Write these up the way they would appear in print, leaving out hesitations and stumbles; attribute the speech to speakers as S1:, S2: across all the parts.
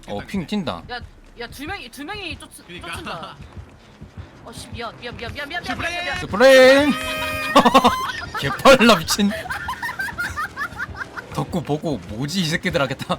S1: 핑 튄다.
S2: 야 두 명이
S3: 그러니까.
S2: 쫓는다. 어씨 미안.
S1: 스프레임. 개빨라 미친. 덕구 보고 뭐지 이 새끼들 하겠다.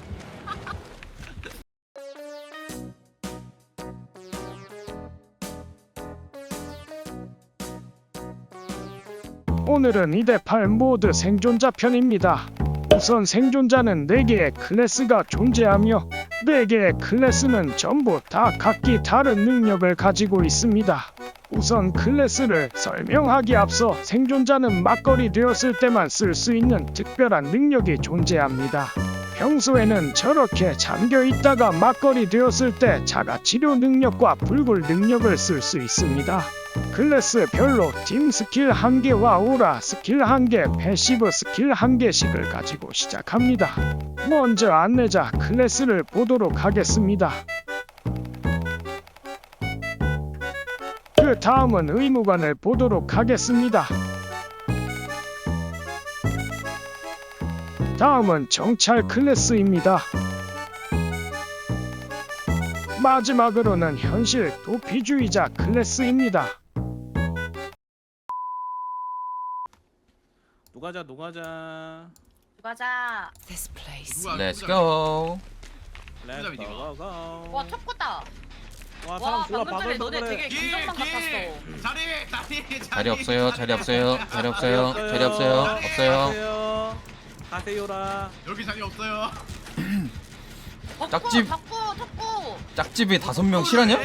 S4: 오늘은 2대8 모드 생존자 편입니다. 우선 생존자는 4개의 클래스가 존재하며 4개의 클래스는 전부 다 각기 다른 능력을 가지고 있습니다. 우선 클래스를 설명하기 앞서 생존자는 막걸리 되었을 때만 쓸 수 있는 특별한 능력이 존재합니다. 평소에는 저렇게 잠겨 있다가 막걸리 되었을 때 자가 치료 능력과 불굴 능력을 쓸 수 있습니다. 클래스별로 팀 스킬 1개와 오라 스킬 1개, 패시브 스킬 1개씩을 가지고 시작합니다. 먼저 안내자 클래스를 보도록 하겠습니다. 그 다음은 의무관을 보도록 하겠습니다. 다음은 정찰 클래스입니다. 마지막으로는 현실 도피주의자 클래스입니다.
S5: 노가자.
S2: 가자.
S1: Let's go.
S5: 렛츠고고.
S2: 와 첩구다.
S5: 와
S2: 와
S5: 사람 좋아.
S2: 방금 전에 너네 되게
S3: 길,
S2: 긴장감
S3: 길.
S2: 같았어.
S3: 자리
S1: 없어요. 없어요.
S5: 가세요라.
S3: 여기 자리 없어요.
S1: 짝집.
S2: 덕구.
S1: 짝집에 5명 실하냐?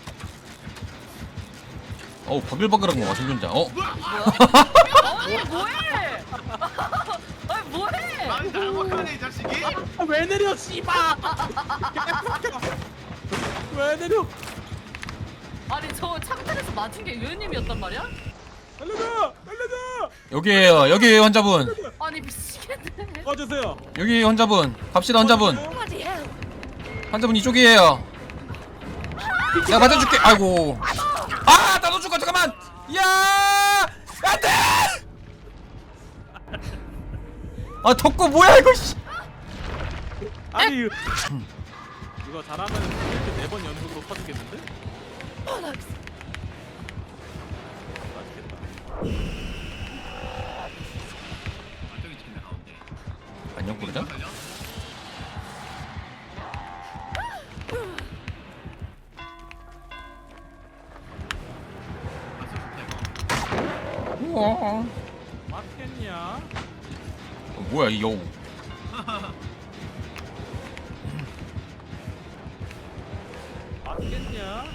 S1: 버글버글한 거 생존자.
S2: 아니 뭐해? 아니 뭐해?
S3: 난 잘못하네 이 자식이.
S5: 왜 내려 씨발. 왜 내려?
S2: 아니 저 창틀에서 맞은 게 유현님이었단 말이야?
S5: 알려줘.
S1: 여기에요 환자분.
S2: 아니 미치겠네.
S5: 꺼주세요.
S1: 여기 환자분. 갑시다 환자분. 환자분 이쪽이에요. 내가 맞아줄게. 아이고. 나도 죽어 잠깐만. 야 안돼. 덕구 뭐야 이거 씨.
S5: 아니 이거 잘하면 이렇게 4번 연속으로 퍼지겠는데?
S3: 저기 있네 가운데.
S1: 안녕 부르자. 우와.
S5: 맞겠냐?
S1: 뭐야 이 여우.
S5: 맞겠냐?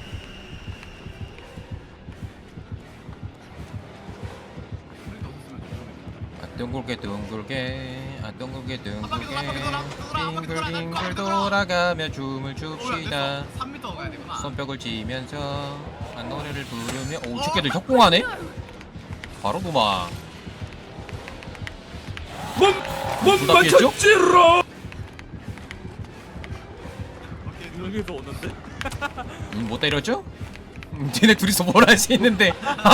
S1: 둥글게 빙글빙글 돌아가며 춤을 춥시다.
S3: 3m 가야 되구나.
S1: 손뼉을 치면서 노래를 부르며 오 새끼들 협공하네? 바로 도망. 못 맞췄지롱.
S5: 여기서 오는데?
S1: 못 때렸죠? 쟤네 둘이서 뭘 할 수 있는데.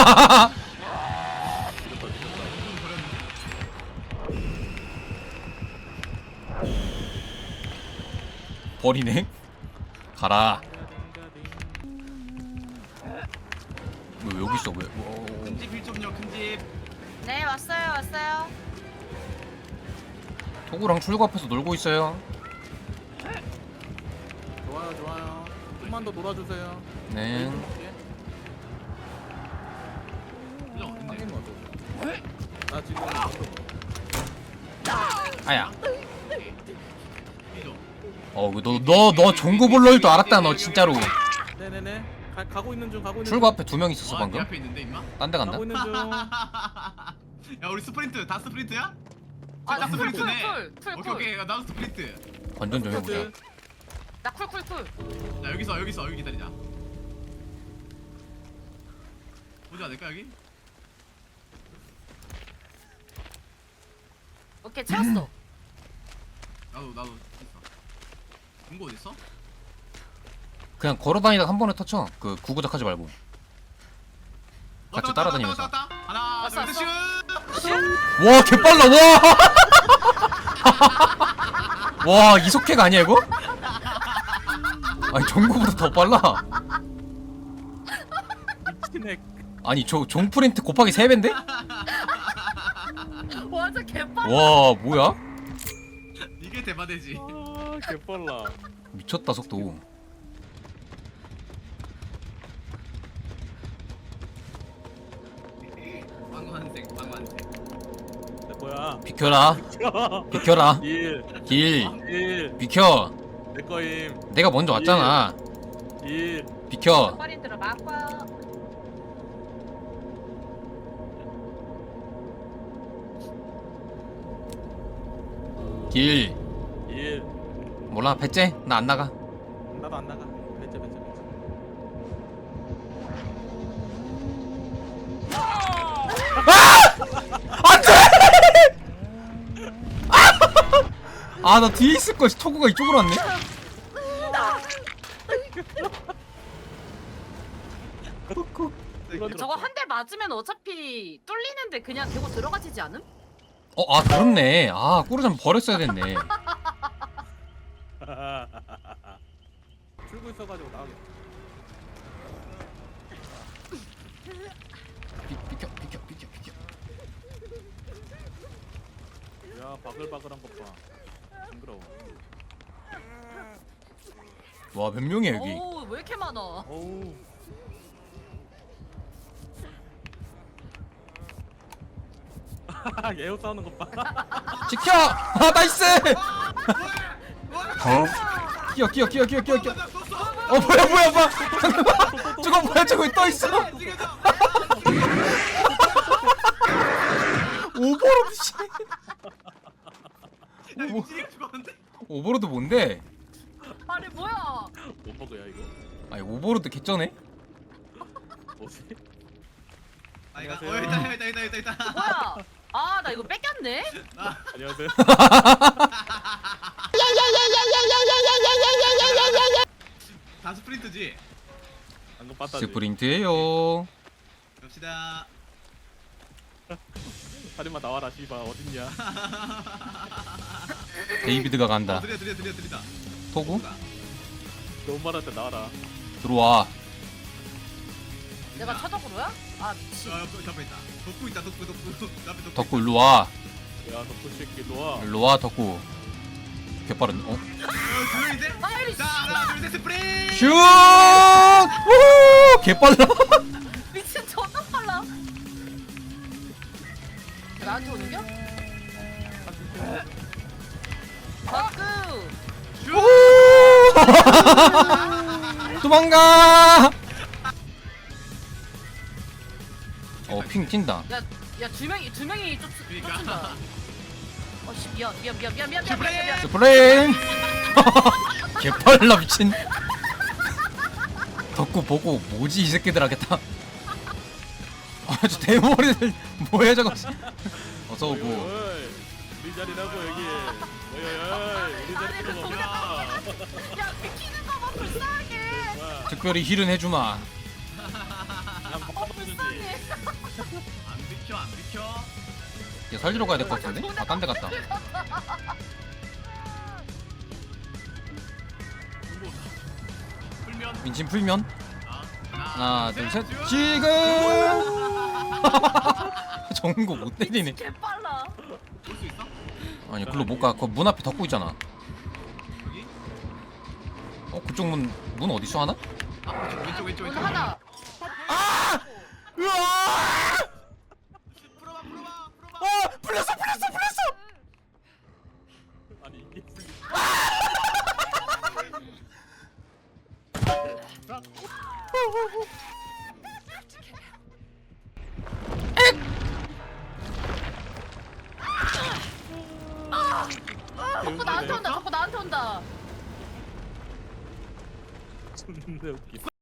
S1: 버리네. 가라. 왜 여기 있어? 왜?
S3: 큰집 1.6 큰집.
S2: 네 왔어요.
S1: 토구랑 출구 앞에서 놀고 있어요.
S5: 좋아요. 좀만 더 놀아주세요.
S1: 네.
S5: 확인 먼저. 나 지금
S1: 아야. 너 종구볼러일 줄 알았다 너 진짜로.
S5: 네네네. 가고 있는 중.
S1: 출구 앞에 2명 있었어
S3: 네
S1: 방금.
S3: 앞에 있는데 임마.
S1: 딴 데 간다.
S5: 가고 있는 중.
S3: 야 우리 스프린트 다 스프린트야?
S2: 아나
S3: 스프린트네.
S2: 쿨.
S3: 오케이 나도 스프린트.
S1: 관전 좀 해보자.
S2: 나 쿨.
S3: 자 여기서 여기 기다리자. 보지 않을까 여기?
S2: 오케이 채웠어.
S3: 나도 있어. 중고 어디 있어?
S1: 그냥 걸어다니다가 한 번에 터쳐. 그 구구작 하지 말고. 같이 따라다니면서.
S3: 하나
S2: 왔어,
S3: 둘 셋 슛.
S1: 와 개빨라 와. 와 이속캐가 아니야 이거? 아니 종구보다 더 빨라.
S5: 미친 애.
S1: 아니 종 프린트 곱하기 3배인데?
S2: 완전 개빨라.
S1: 와 뭐야?
S3: 이게 대바대지.
S5: 아, 개빨라.
S1: 미쳤다 속도.
S3: 방관색.
S5: 내 거야.
S1: 비켜라. 비켜라.
S5: 1,
S1: 길
S5: 1.
S1: 비켜.
S5: 내 거임.
S1: 내가 먼저 왔잖아.
S5: 1.
S1: 비켜.
S2: 파린들을 막아.
S1: 길
S5: 1.
S1: 몰라 배째 나 안 나가.
S5: 나도 안 나가. 배째.
S1: 아 나 뒤에 있을 걸. 토구가 이쪽으로 왔네.
S2: 저거 한 대 맞으면 어차피 뚫리는데 그냥 대고 들어가지지 않음?
S1: 아 그렇네. 아 꾸르잠 버렸어야 됐네.
S5: 출구 있어가지고 나가겠다.
S1: 비켜.
S5: 야, 바글바글한 것 봐. 징그러워.
S1: 와 몇 명이야 여기.
S2: 오, 왜 이렇게 많아?
S5: 어우. 예우 싸우는 것 봐.
S1: 지켜. 아 나이스. 끼어. 뭐야. 저거 뭐야 저거 떠 있어. 오버로드 씨.
S3: 야 미치게 죽었는데?
S1: 오버로드 뭔데?
S2: 아니 뭐야?
S5: 못 먹어야 이거.
S1: 아니 오버로드 개쩌네?
S5: 뭐지?
S3: 아 이거
S5: 안녕하세요.
S3: 있다.
S2: 뭐야? 아, 나 이거 뺏겼네?
S5: 안녕하세요.
S3: 다 스프린트지.
S5: 방금 봤다지.
S1: 스프린트예요.
S3: 갑시다.
S5: 살인마 나와라 씨발 어딨냐?
S1: 데이비드가 간다.
S3: 들이다.
S1: 토구
S5: 너무 말할 때 나와라.
S1: 들어와.
S2: 내가 차덕으로야? 아, 미친.
S3: 옆에 있다. 덕구 있다. 덕구. 옆에 덕구.
S1: 덕구 일로 와.
S5: 야 덕후 새끼 일로와.
S1: 일로 와 덕구. 개빠른. 어?
S3: 둘인데?
S2: 아이씨.
S3: 자 하나 둘 셋 스프린트.
S1: 슛! 오! 개빨라.
S2: 미친 존나 빨라. 나한테 오는겨? 바꾸.
S1: 도망가. 핑 튄다.
S2: 야, 두 명이
S3: 그러니까.
S2: 쫓는다. 어씨, 미안.
S1: 스프레임. 개빨라 미친. 덕구 보고 뭐지 이 새끼들 하겠다. 아저 대머리들 뭐야 저거. 어서 오고.
S5: 어이, 우리 자리라고 여기. 어이, 우리 자리
S2: 그
S5: 들어가.
S2: 야, 비키는 거 봐, 불쌍하게.
S1: 특별히 힐은 해주마.
S2: 불쌍해.
S3: 안 비켜.
S1: 얘 살리러 가야 될 것 같은데? 아 딴 데 갔다.
S3: 풀면.
S1: 민심 풀면. 하나 둘 셋.
S3: 쭉.
S1: 지금. 정거 못 때리네.
S2: 개 빨라.
S3: 볼 수 있어?
S1: 아니 글로 못 가. 그 문 앞에 덮고 있잖아.
S3: 여기?
S1: 그쪽 문 어디 있어 하나?
S3: 왼쪽.
S2: 오늘 하나.
S1: 으아!
S3: 풀어봐.
S1: 풀렸어.
S5: 아니 이게
S2: 자꾸 나한테 온다.
S5: 존나 웃기.